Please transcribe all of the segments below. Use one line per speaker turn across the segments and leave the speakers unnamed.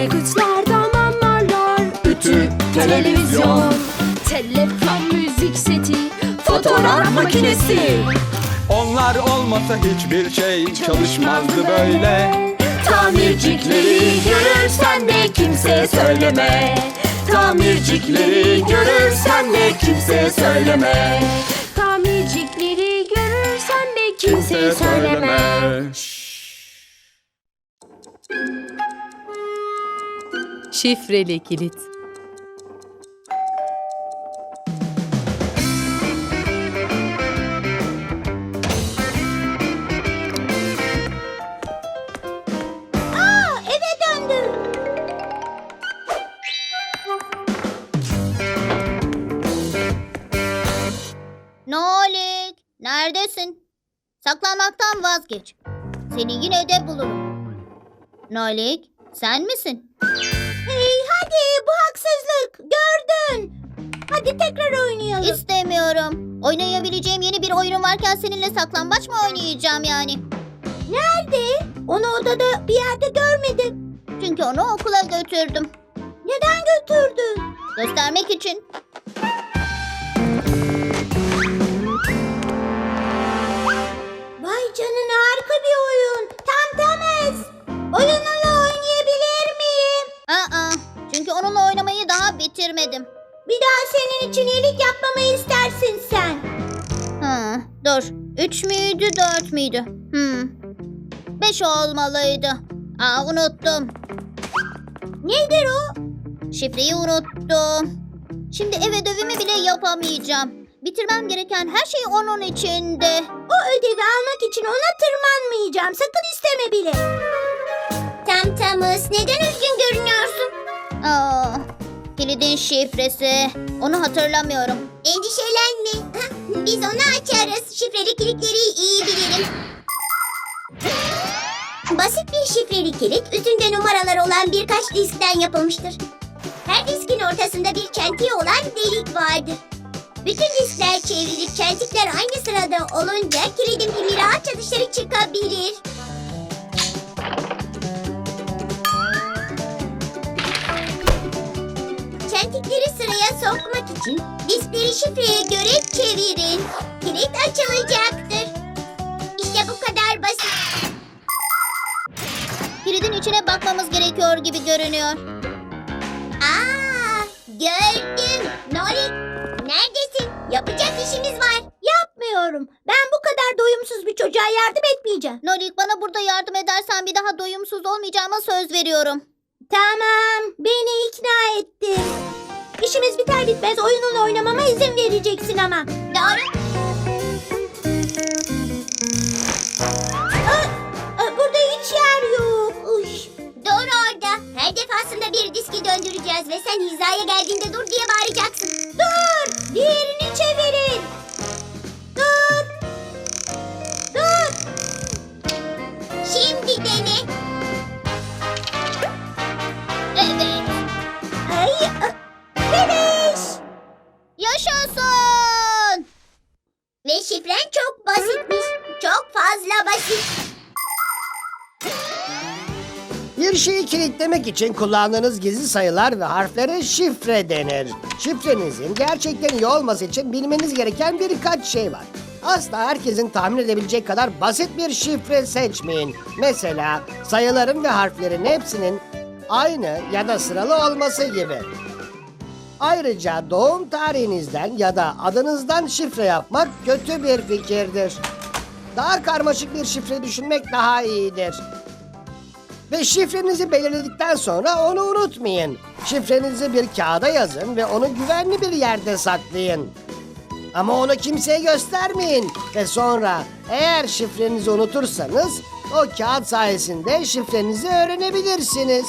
aygıtlardan anlarlar. Ütü, televizyon, telefon, müzik seti, fotoğraf makinesi.
Onlar olmasa hiçbir şey çalışmazdı böyle.
Tamircikleri görürsen de kimseye söyleme. Tamircikleri görürsen de kimseye söyleme. Tamircikleri görürsen de kimseye söyleme.
Şifreli kilit.
Eve döndüm. Nolik, neredesin? Saklanmaktan vazgeç. Seni yine de bulurum. Nolik, sen misin? Hey, hadi bu haksızlık. Gördün. Hadi tekrar oynayalım. İstemiyorum. Oynayabileceğim yeni bir oyunum varken seninle saklambaç mı oynayacağım yani? Nerede? Onu odada bir yerde görmedim. Çünkü onu okula götürdüm. Neden götürdün? Göstermek için. Vay canına, harika bir oyun. Tam Tamez. Oyununu oynayabilir miyim? Çünkü onunla oynamayı daha bitirmedim. Bir daha senin için iyilik yapmamı istersin sen. Dur. 3 müydü 4 müydü? 5 olmalıydı. Unuttum. Nedir o? Şifreyi unuttum. Şimdi ev ödevimi bile yapamayacağım. Bitirmem gereken her şey onun içinde. O ödevi almak için ona tırmanmayacağım. Sakın isteme bile. Tamız, neden üzgün görünüyorsun? Kilidin şifresi. Onu hatırlamıyorum. Endişelenme. Biz onu açarız. Şifreli kilitleri iyi bilirim. Basit bir şifreli kilit, üstünde numaralar olan birkaç diskten yapılmıştır. Her diskin ortasında bir çentiği olan delik vardır. Bütün diskler çevrilip çentikler aynı sırada olunca kilidin pimi rahatça dışarı çıkabilir. Çentikleri sıraya sokmak için diskleri şifreye göre çevirin. Kilit açılacaktır. İşte bu kadar basit. Kilidin içine bakmamız gerekiyor gibi görünüyor. Gördüm. Nolik, neredesin? Yapacak işimiz var. Yapmıyorum. Ben bu kadar doyumsuz bir çocuğa yardım etmeyeceğim. Nolik, bana burada yardım edersen bir daha doyumsuz olmayacağıma söz veriyorum. Tamam, beni ikna ettin. İşimiz biter bitmez oyununu oynamama izin vereceksin ama. Doğru. Burada hiç yer yok. Doğru orada. Her defasında bir diski döndüreceğiz ve sen hizaya geldiğinde dur diye bağıracaksın. Dur! Diğerini çevirin. Dur! Dur! Şimdi dene. Evet. Finish! Yaşasın! Ve şifren çok basitmiş. Çok fazla basit.
Bir şeyi kilitlemek için kullandığınız gizli sayılar ve harflere şifre denir. Şifrenizin gerçekten iyi olması için bilmeniz gereken birkaç şey var. Asla herkesin tahmin edebilecek kadar basit bir şifre seçmeyin. Mesela sayıların ve harflerin hepsinin aynı ya da sıralı olması gibi. Ayrıca doğum tarihinizden ya da adınızdan şifre yapmak kötü bir fikirdir. Daha karmaşık bir şifre düşünmek daha iyidir. Ve şifrenizi belirledikten sonra onu unutmayın. Şifrenizi bir kağıda yazın ve onu güvenli bir yerde saklayın. Ama onu kimseye göstermeyin. Ve sonra eğer şifrenizi unutursanız o kağıt sayesinde şifrenizi öğrenebilirsiniz.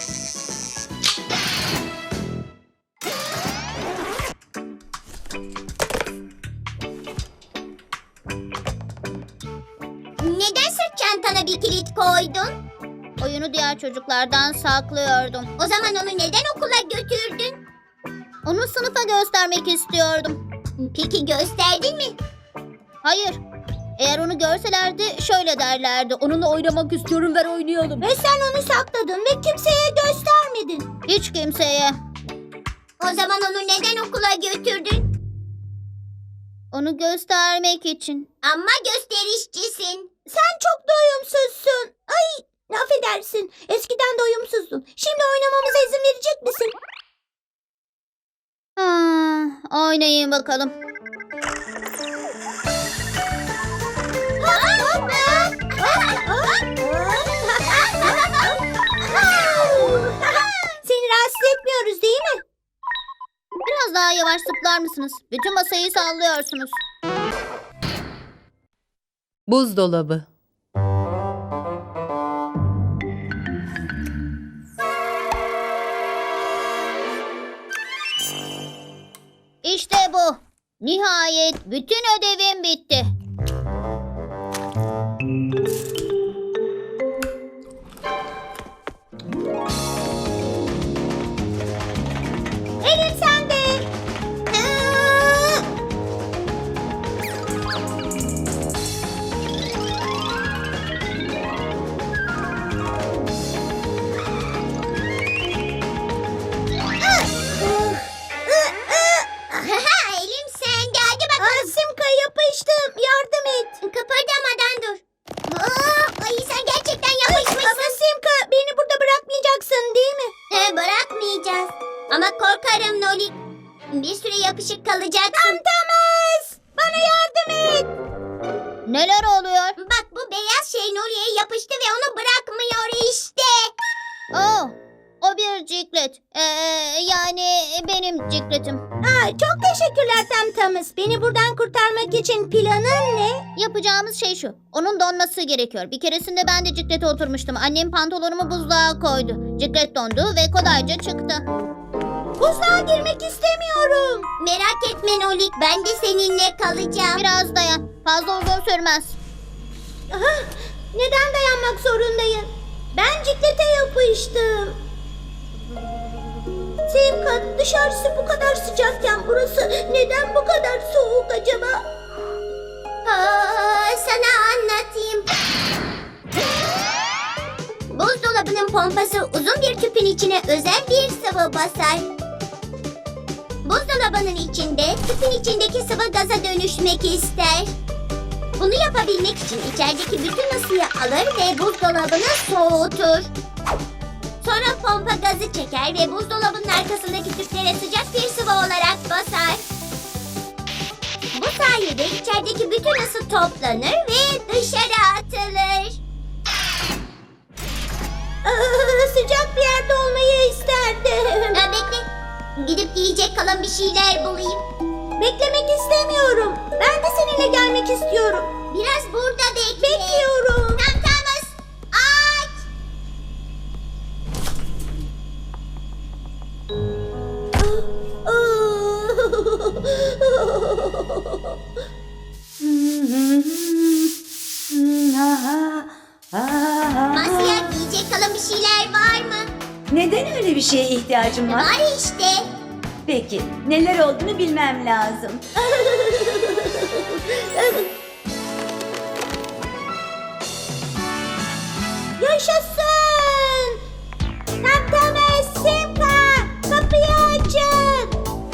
Neden sırt çantana bir kilit koydun? Oyunu diğer çocuklardan saklıyordum. O zaman onu neden okula götürdün? Onu sınıfa göstermek istiyordum. Peki gösterdin mi? Hayır. Eğer onu görselerdi şöyle derlerdi. Onunla oynamak istiyorum, ver oynayalım. Ve sen onu sakladın ve kimseye göstermedin. Hiç kimseye. O zaman onu neden okula götürdün? Onu göstermek için. Ama gösterişçisin. Sen çok doyumsuzsun. Ay, affedersin. Eskiden doyumsuzdun. Şimdi oynamamıza izin verecek misin? Oynayın bakalım. Seni rahatsız etmiyoruz değil mi? Biraz daha yavaş zıplar mısınız? Bütün masayı sallıyorsunuz.
Buzdolabı.
İşte bu. Nihayet bütün ödevim bitti. Elim sende. Elim sende. Hadi bakalım. Simka yapıştım. Yardım et. Kıpırdamadan dur. Ay sen gerçekten yapışmışsın. Ama Simka beni burada bırakmayacaksın değil mi? Bırakmayacağız. Ama korkarım Noli. Bir süre yapışık kalacaksın. Tamtamız. Bana yardım et. Neler oluyor? Bak bu beyaz şey Noli'ye yapıştı ve onu bırakmıyor işte. O bir ciklet. Yani benim cikletim. Çok teşekkürler Tamtamız. Beni buradan kurtarmak için planın ne? Yapacağımız şey şu. Onun donması gerekiyor. Bir keresinde ben de ciklete oturmuştum. Annem pantolonumu buzluğa koydu. Ciklet dondu ve kolayca çıktı. Buzluğa girmek istemiyorum. Merak etme Nolik. Ben de seninle kalacağım. Biraz dayan. Fazla uzun sürmez. Neden dayanmak zorundayım? Ben ciklete yapıştım. Simka, dışarısı bu kadar sıcakken burası neden bu kadar soğuk acaba? Sana anlatayım. Buzdolabının pompası uzun bir tüpün içine özel bir sıvı basar. Buzdolabının içinde tüpün içindeki sıvı gaza dönüşmek ister. Bunu yapabilmek için içerideki bütün ısıyı alır ve buzdolabını soğutur. Sonra pompa gazı çeker ve buzdolabının arkasındaki tüplere sıcak bir sıvı olarak basar. Bu sayede içerideki bütün ısı toplanır ve dışarı atılır. Sıcak bir yerde olmayı isterdim. Bekle. Gidip yiyecek kalan bir şeyler bulayım. Beklemek istemiyorum. Ben de seninle gelmek istiyorum. Biraz burada bekle. Bekliyorum. Tamtamız. Aç. Masya yiyecek kalan bir şeyler var mı?
Neden öyle bir şeye ihtiyacım var?
Var işte.
Peki, neler olduğunu bilmem lazım.
Yaşasın! Tamtamız, Simka, kapıyı açın.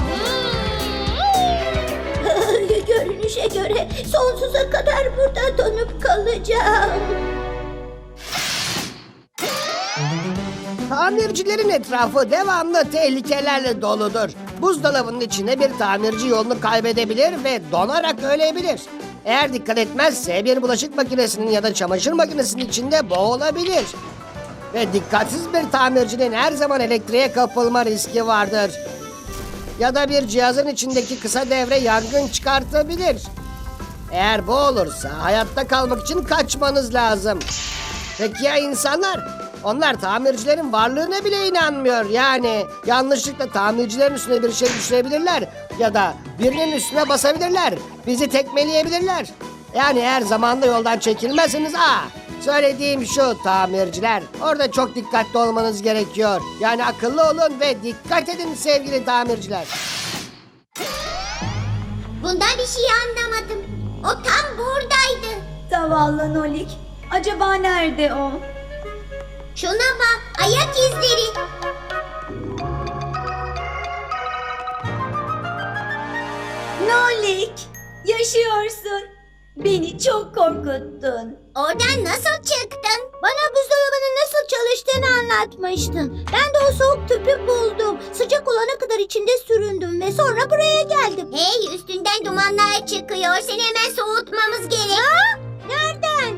Görünüşe göre sonsuza kadar burada donup kalacağım.
Tamircilerin etrafı devamlı tehlikelerle doludur. Buzdolabının içinde bir tamirci yolunu kaybedebilir ve donarak ölebilir. Eğer dikkat etmezse bir bulaşık makinesinin ya da çamaşır makinesinin içinde boğulabilir. Ve dikkatsiz bir tamircinin her zaman elektriğe kapılma riski vardır. Ya da bir cihazın içindeki kısa devre yangın çıkartabilir. Eğer bu olursa hayatta kalmak için kaçmanız lazım. Peki ya insanlar? Onlar tamircilerin varlığına bile inanmıyor. Yani yanlışlıkla tamircilerin üstüne bir şey düşürebilirler. Ya da birinin üstüne basabilirler. Bizi tekmeleyebilirler. Yani eğer zamanda yoldan çekilmezseniz söylediğim şu tamirciler. Orada çok dikkatli olmanız gerekiyor. Yani akıllı olun ve dikkat edin sevgili tamirciler.
Bundan bir şey anlamadım. O tam buradaydı.
Zavallı Nolik. Acaba nerede o?
Şuna bak, ayak izleri.
Nolik, yaşıyorsun. Beni çok korkuttun.
Oradan nasıl çıktın? Bana buzdolabının nasıl çalıştığını anlatmıştın. Ben de o soğuk tüpü buldum. Sıcak olana kadar içinde süründüm ve sonra buraya geldim. Hey, üstünden dumanlar çıkıyor. Seni hemen soğutmamız gerek. Ha? Nereden?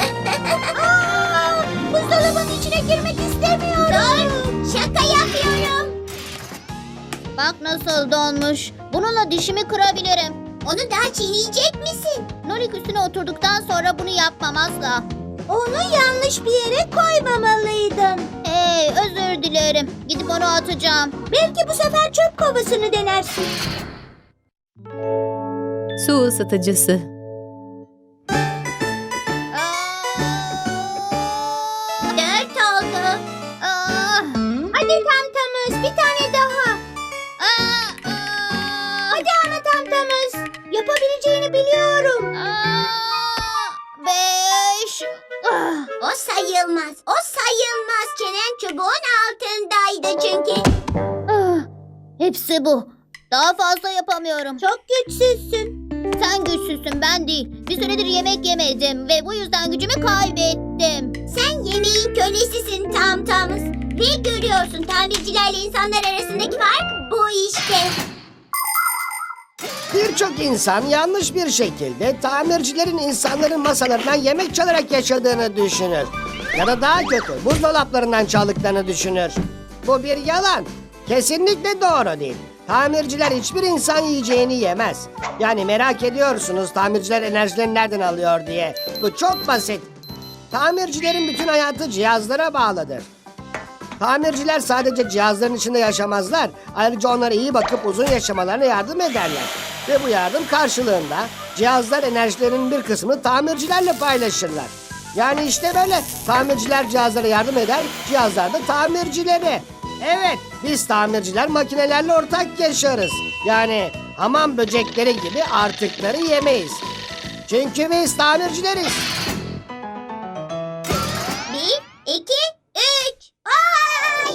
Aa, buzdolabının içine girmek istemiyorum. Dur, şaka yapıyorum. Bak nasıl donmuş. Bununla dişimi kırabilirim. Onu daha çiğneyecek misin? Nolik üstüne oturduktan sonra bunu yapmam asla. Onu yanlış bir yere koymamalıydım. Hey, özür dilerim. Gidip onu atacağım. Belki bu sefer çöp kovasını denersin.
Su ısıtıcısı.
Dört oldu. Hadi tamtamız, bir tane daha. Hadi ana tamtamız. Yapabileceğini biliyorum. Beş. O sayılmaz. O sayılmaz. Çenen çubuğun altındaydı çünkü. Hepsi bu. Daha fazla yapamıyorum. Çok güçsüzsün. Sen güçsüzsün, ben değil. Bir süredir yemek yemedim ve bu yüzden gücümü kaybettim. Sen yemeğin kölesisin tamtamız. Ve görüyorsun, tamircilerle insanlar arasındaki fark bu işte.
Birçok insan yanlış bir şekilde tamircilerin insanların masalarından yemek çalarak yaşadığını düşünür. Ya da daha kötü, buzdolaplarından çaldıklarını düşünür. Bu bir yalan. Kesinlikle doğru değil. Tamirciler hiçbir insan yiyeceğini yemez. Yani merak ediyorsunuz tamirciler enerjilerini nereden alıyor diye. Bu çok basit. Tamircilerin bütün hayatı cihazlara bağlıdır. Tamirciler sadece cihazların içinde yaşamazlar. Ayrıca onlara iyi bakıp uzun yaşamalarına yardım ederler. Ve bu yardım karşılığında cihazlar enerjilerinin bir kısmını tamircilerle paylaşırlar. Yani işte böyle tamirciler cihazlara yardım eder, cihazlar da tamircileri. Evet, biz tamirciler makinelerle ortak yaşarız. Yani hamam böcekleri gibi artıkları yemeyiz. Çünkü biz tamircileriz.
1, 2, 3. Ay!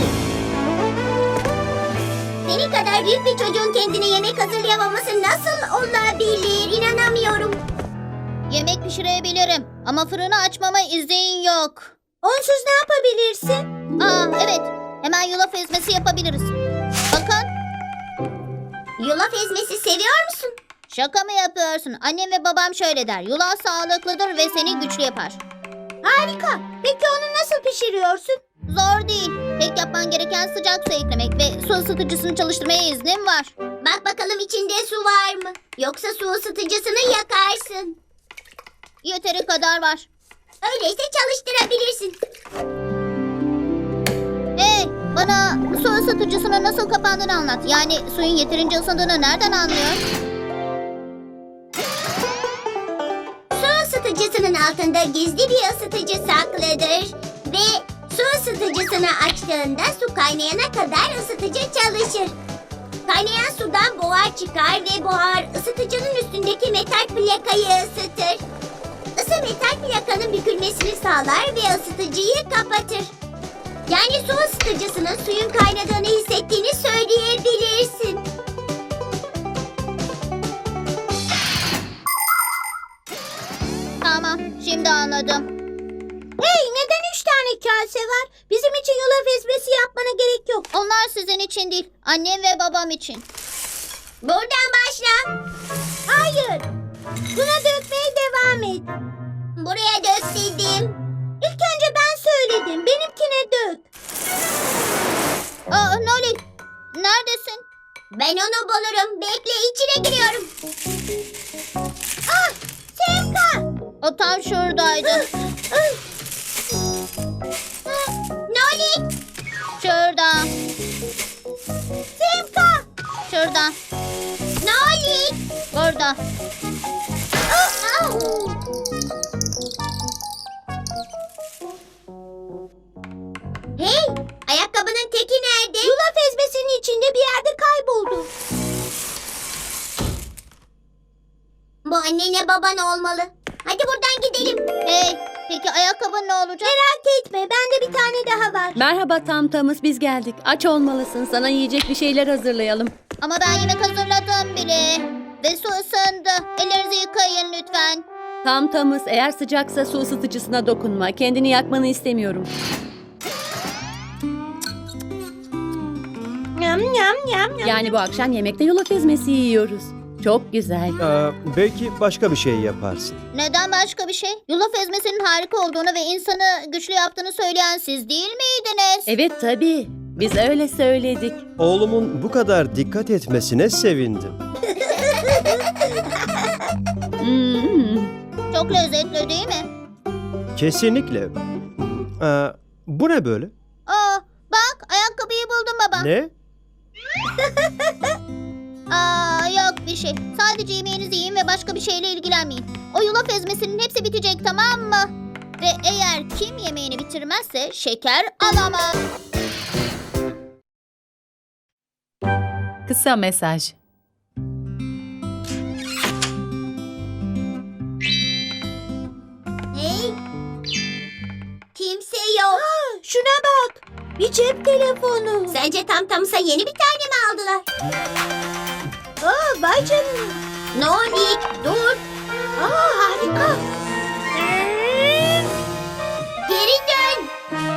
Senin kadar büyük bir çocuğun kendine yemek hazırlayamaması nasıl olabilir? İnanamıyorum. Yemek pişirebilirim ama fırını açmama izin yok. Onsuz ne yapabilirsin? Evet. Hemen yulaf ezmesi yapabiliriz. Bakın. Yulaf ezmesi seviyor musun? Şaka mı yapıyorsun? Annem ve babam şöyle der. Yulaf sağlıklıdır ve seni güçlü yapar. Harika. Peki onu nasıl pişiriyorsun? Zor değil. Tek yapman gereken sıcak su eklemek ve su ısıtıcısını çalıştırmaya iznim var. Bak bakalım içinde su var mı? Yoksa su ısıtıcısını yakarsın. Yeteri kadar var. Öyleyse çalıştırabilirsin. Hey, bana su ısıtıcısının nasıl kapandığını anlat. Yani suyun yeterince ısındığını nereden anlıyor? Su ısıtıcısının altında gizli bir ısıtıcı saklıdır. Ve su ısıtıcısını açtığında su kaynayana kadar ısıtıcı çalışır. Kaynayan sudan buhar çıkar ve buhar ısıtıcının üstündeki metal plakayı ısıtır. Isı metal plakanın bükülmesini sağlar ve ısıtıcıyı kapatır. Yani su ısıtıcısının suyun kaynadığını hissettiğini söyleyebilirsin. Tamam, şimdi anladım. Hey, neden 3 tane kase var? Bizim için yulaf ezmesi yapmana gerek yok. Onlar sizin için değil, annem ve babam için. Buradan başla. Hayır. Buna dökmeye devam et. Buraya dök dedim. İlk önce ben söyledim. Benimkine dök. Nolik, neredesin? Ben onu bulurum. Bekle, içine giriyorum. Sevka. O tam şuradaydı. Nolik. Şurada. Sevka. Şurada. Nolik. Burada. Hey, ayakkabının teki nerede? Yulaf ezmesinin içinde bir yerde kayboldu. Bu annenle baban olmalı. Hadi buradan gidelim. Hey, peki ayakkabın ne olacak? Merak etme, bende bir tane daha var.
Merhaba Tamtamız, biz geldik. Aç olmalısın. Sana yiyecek bir şeyler hazırlayalım.
Ama ben yemek hazırladım bile. Ve su ısındı. Ellerinizi yıkayın lütfen.
Tamtamız, eğer sıcaksa su ısıtıcısına dokunma. Kendini yakmanı istemiyorum.
Yam yam yam yam.
Yani bu akşam yemekte yulaf ezmesi yiyoruz. Çok güzel.
Belki başka bir şey yaparsın.
Neden başka bir şey? Yulaf ezmesinin harika olduğunu ve insanı güçlü yaptığını söyleyen siz değil miydiniz?
Evet tabii. Biz öyle söyledik.
Oğlumun bu kadar dikkat etmesine sevindim.
Hmm.
Çok lezzetli değil mi?
Kesinlikle. Bu ne böyle?
Aa, bak ayakkabıyı buldum baba.
Ne?
Aa, yok bir şey. Sadece yemeğinizi yiyin ve başka bir şeyle ilgilenmeyin. O yulaf ezmesinin hepsi bitecek, tamam mı? Ve eğer kim yemeğini bitirmezse şeker alamaz.
Kısa mesaj.
Hey, kimse yok.
Şuna bak. Bir cep telefonu.
Sence Tamtam'sa yeni bir tane mi aldılar?
Aa, vay canına.
Nolik, dur.
Aa, harika.
Geri dön.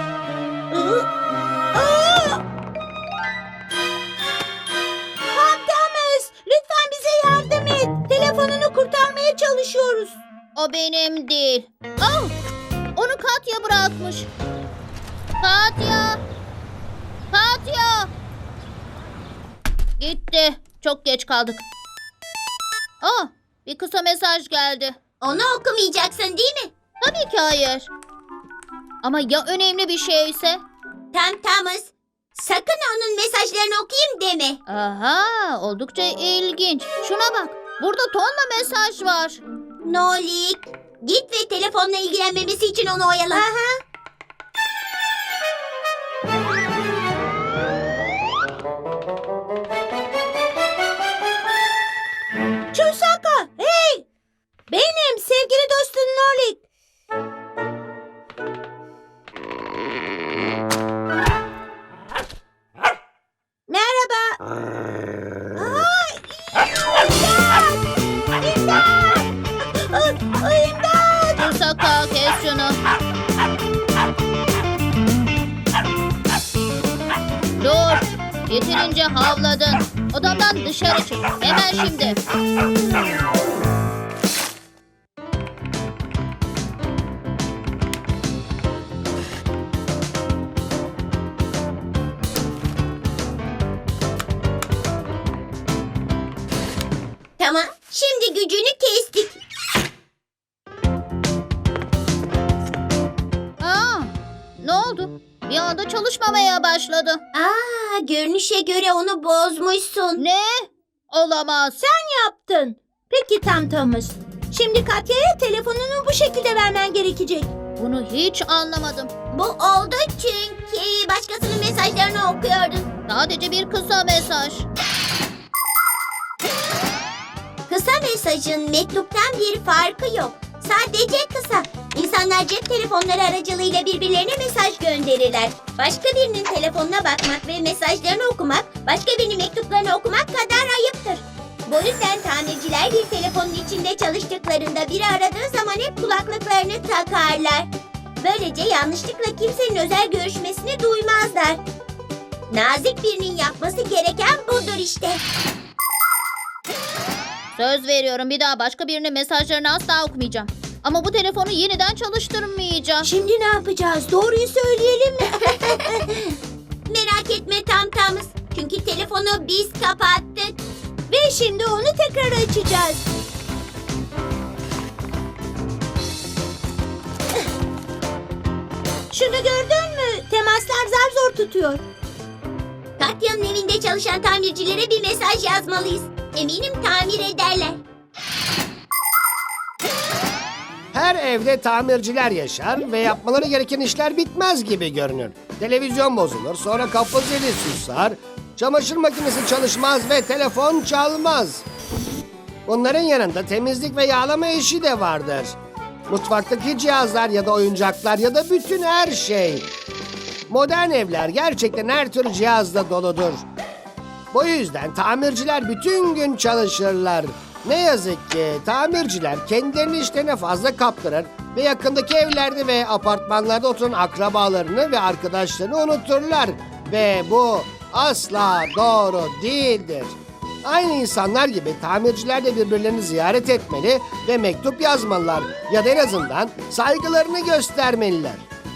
Tamtamız, lütfen bize yardım et. Telefonunu kurtarmaya çalışıyoruz.
O benim değil. Oh, onu Katya bırakmış. Katya. Katya. Gitti. Çok geç kaldık. Bir kısa mesaj geldi. Onu okumayacaksın değil mi? Tabii ki hayır. Ama ya önemli bir şeyse? Tamtamız. Sakın onun mesajlarını okuyayım deme. Aha, oldukça ilginç. Şuna bak. Burada tonla mesaj var. Nolik, git ve telefonla ilgilenmemesi için onu oyala.
Chusaka, hey! Benim sevgili dostum Nolik. Merhaba.
Chusaka, kes şunu. Dur. Yeterince havladın. Odamdan dışarı çık. Hemen şimdi. Tamam. Şimdi gücünü kestik. Ne oldu? Bir anda çalışmamaya başladı. Görünüşe göre onu bozmuşsun. Ne? Olamaz.
Yaptın. Peki Tamtamız. Şimdi Katya'ya telefonunu bu şekilde vermen gerekecek.
Bunu hiç anlamadım. Bu oldu çünkü başkasının mesajlarını okuyordun. Sadece bir kısa mesaj. Kısa mesajın mektuptan bir farkı yok. Sadece kısa. İnsanlar cep telefonları aracılığıyla birbirlerine mesaj gönderirler. Başka birinin telefonuna bakmak ve mesajlarını okumak, başka birinin mektuplarını okumak kadar ayıptır. Bu yüzden tamirciler bir telefonun içinde çalıştıklarında biri aradığı zaman hep kulaklıklarını takarlar. Böylece yanlışlıkla kimsenin özel görüşmesini duymazlar. Nazik birinin yapması gereken budur işte. Söz veriyorum, bir daha başka birinin mesajlarını asla okumayacağım. Ama bu telefonu yeniden çalıştırmayacağım.
Şimdi ne yapacağız? Doğruyu söyleyelim mi?
Merak etme Tamtamız. Çünkü telefonu biz kapattık.
Ve şimdi onu tekrar açacağız. Şunu gördün mü? Temaslar zar zor tutuyor.
Katya'nın evinde çalışan tamircilere bir mesaj yazmalıyız. Eminim tamir ederler.
Her evde tamirciler yaşar ve yapmaları gereken işler bitmez gibi görünür. Televizyon bozulur, sonra kapı zili susar, çamaşır makinesi çalışmaz ve telefon çalmaz. Bunların yanında temizlik ve yağlama işi de vardır. Mutfaktaki cihazlar ya da oyuncaklar ya da bütün her şey. Modern evler gerçekten her tür cihazla doludur. Bu yüzden tamirciler bütün gün çalışırlar. Ne yazık ki tamirciler kendilerini işlerine fazla kaptırır ve yakındaki evlerde ve apartmanlarda oturan akrabalarını ve arkadaşlarını unuturlar. Ve bu asla doğru değildir. Aynı insanlar gibi tamirciler de birbirlerini ziyaret etmeli ve mektup yazmalılar ya da en azından saygılarını göstermeliler.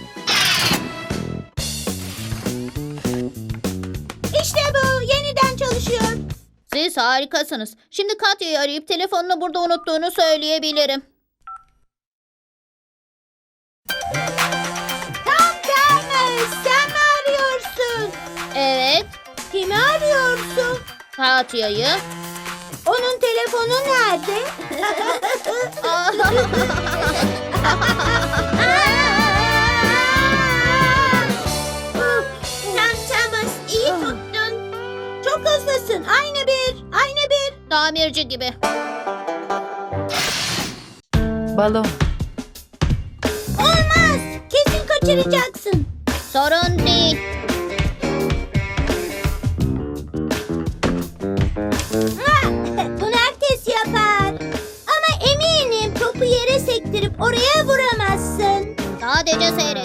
İşte bu yeniden çalışıyor.
Siz harikasınız. Şimdi Katya'yı arayıp telefonunu burada unuttuğunu söyleyebilirim.
Tam Thomas, sen mi arıyorsun?
Evet,
Kimi arıyorsun?
Katya'yı.
Onun telefonu nerede?
Tam Thomas, iyi tuttun.
Çok hızlısın. Aynı bir.
Tamirci gibi.
Balon.
Olmaz. Kesin kaçıracaksın.
Sorun değil.
Ha, bunu herkes yapar. Ama eminim topu yere sektirip oraya vuramazsın.
Sadece seyret.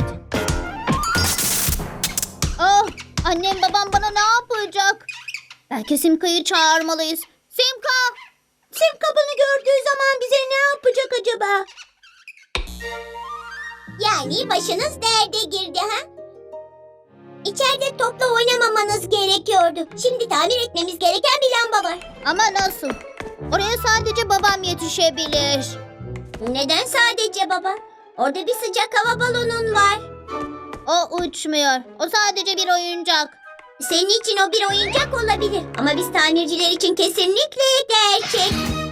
Oh, annem babam bana ne yapacak? Belki Simka'yı çağırmalıyız. Simka!
Simka bunu gördüğü zaman bize ne yapacak acaba?
Yani başınız derde girdi ha? İçeride topla oynamamanız gerekiyordu. Şimdi tamir etmemiz gereken bir lamba var. Ama nasıl? Oraya sadece babam yetişebilir. Neden sadece baba? Orada bir sıcak hava balonun var. O uçmuyor. O sadece bir oyuncak. Senin için o bir oyuncak olabilir. Ama biz tamirciler için kesinlikle gerçek.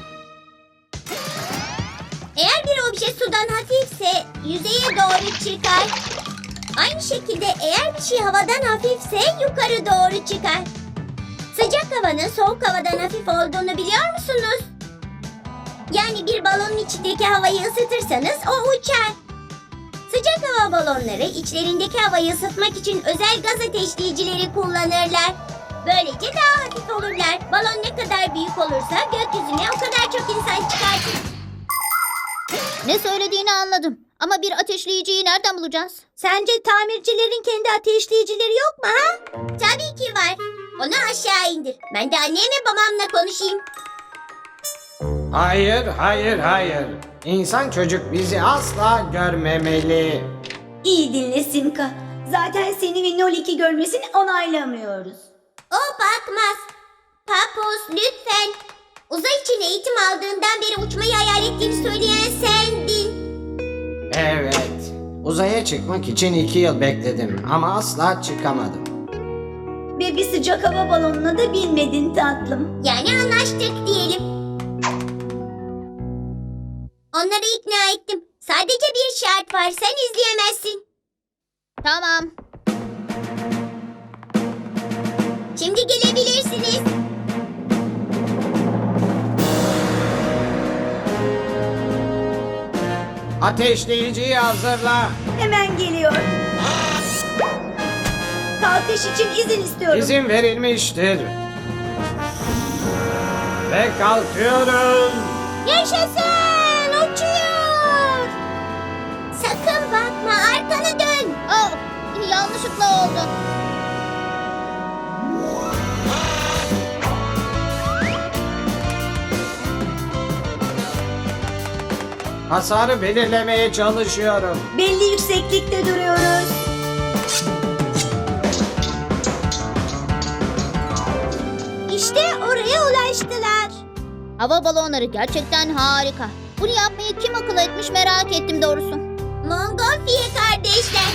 Eğer bir obje sudan hafifse yüzeye doğru çıkar. Aynı şekilde eğer bir şey havadan hafifse yukarı doğru çıkar. Sıcak havanın soğuk havadan hafif olduğunu biliyor musunuz? Yani bir balonun içindeki havayı ısıtırsanız o uçar. Sıcak hava balonları içlerindeki havayı ısıtmak için özel gaz ateşleyicileri kullanırlar. Böylece daha hafif olurlar. Balon ne kadar büyük olursa gökyüzüne o kadar çok insan çıkartır. Ne söylediğini anladım. Ama bir ateşleyiciyi nereden bulacağız?
Sence tamircilerin kendi ateşleyicileri yok mu ha?
Tabii ki var. Onu aşağı indir. Ben de annemle babamla konuşayım.
Hayır, hayır, hayır. İnsan çocuk bizi asla görmemeli.
İyi dinle Simka. Zaten seni ve Nolik'i görmesini onaylamıyoruz.
O bakmaz. Papus lütfen. Uzay için eğitim aldığından beri uçmayı hayal ettiğini söyleyen sendin.
Evet. Uzaya çıkmak için 2 yıl bekledim ama asla çıkamadım.
Ve bir sıcak hava balonuna da binmedin tatlım.
Yani anlaştık diyelim. Onları ikna ettim. Sadece bir şart var. Sen izleyemezsin. Tamam. Şimdi gelebilirsiniz.
Ateşleyiciyi hazırla.
Hemen geliyor. Kalkış için izin istiyorum.
İzin verilmiştir. Ve kalkıyoruz.
Yaşasın! Uçuyor!
Sakın bakma. Arkanı dön. Oh, yanlışlıkla oldu.
Hasarı belirlemeye çalışıyorum.
Belli yükseklikte duruyoruz.
İşte oraya ulaştılar.
Hava balonları gerçekten harika. Bunu yapmayı kim akıl etmiş merak ettim doğrusu. Montgolfier kardeşler.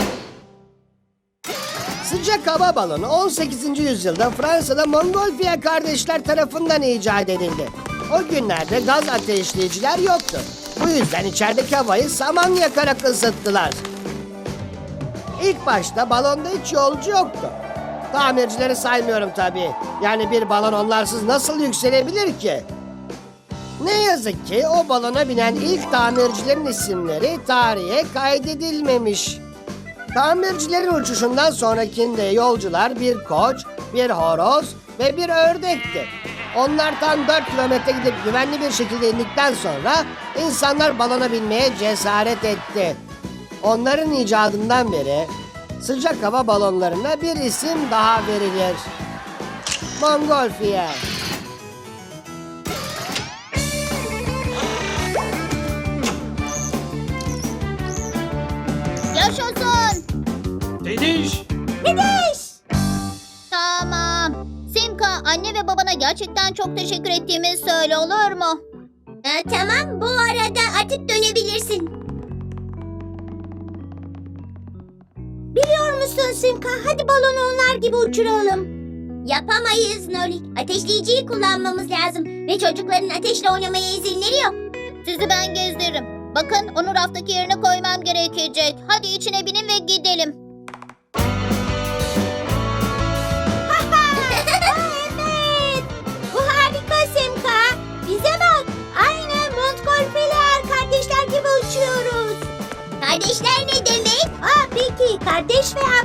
Sıcak hava balonu 18. yüzyılda Fransa'da Montgolfier kardeşler tarafından icat edildi. O günlerde gaz ateşleyiciler yoktu. Bu yüzden içerideki havayı saman yakarak ısıttılar. İlk başta balonda hiç yolcu yoktu. Tamircileri saymıyorum tabii. Yani bir balon onlarsız nasıl yükselebilir ki? Ne yazık ki o balona binen ilk tamircilerin isimleri tarihe kaydedilmemiş. Tamircilerin uçuşundan sonrakinde yolcular bir koç, bir horoz ve bir ördekti. Onlar tam 4 kilometre gidip güvenli bir şekilde indikten sonra insanlar balona binmeye cesaret etti. Onların icadından beri sıcak hava balonlarına bir isim daha verilir. Montgolfier.
Yaşasın.
Gidiş.
Tamam. Simka, anne ve babana gerçekten çok teşekkür ettiğimi söyle, olur mu? Tamam, bu arada artık dönebilirsin.
Biliyor musun Simka? Hadi balonu onlar gibi uçuralım.
Yapamayız Nolik. Ateşleyiciyi kullanmamız lazım. Ve çocukların ateşle oynamaya izinleri yok. Sizi ben gezdiririm. Bakın, onu raftaki yerine koymam gerekecek. Hadi içine binin ve gidelim.
Evet. Bu harika Simka. Bize bak. Aynı Montgolfier kardeşler gibi uçuyoruz.
Kardeşler ne demek?
Peki kardeş ve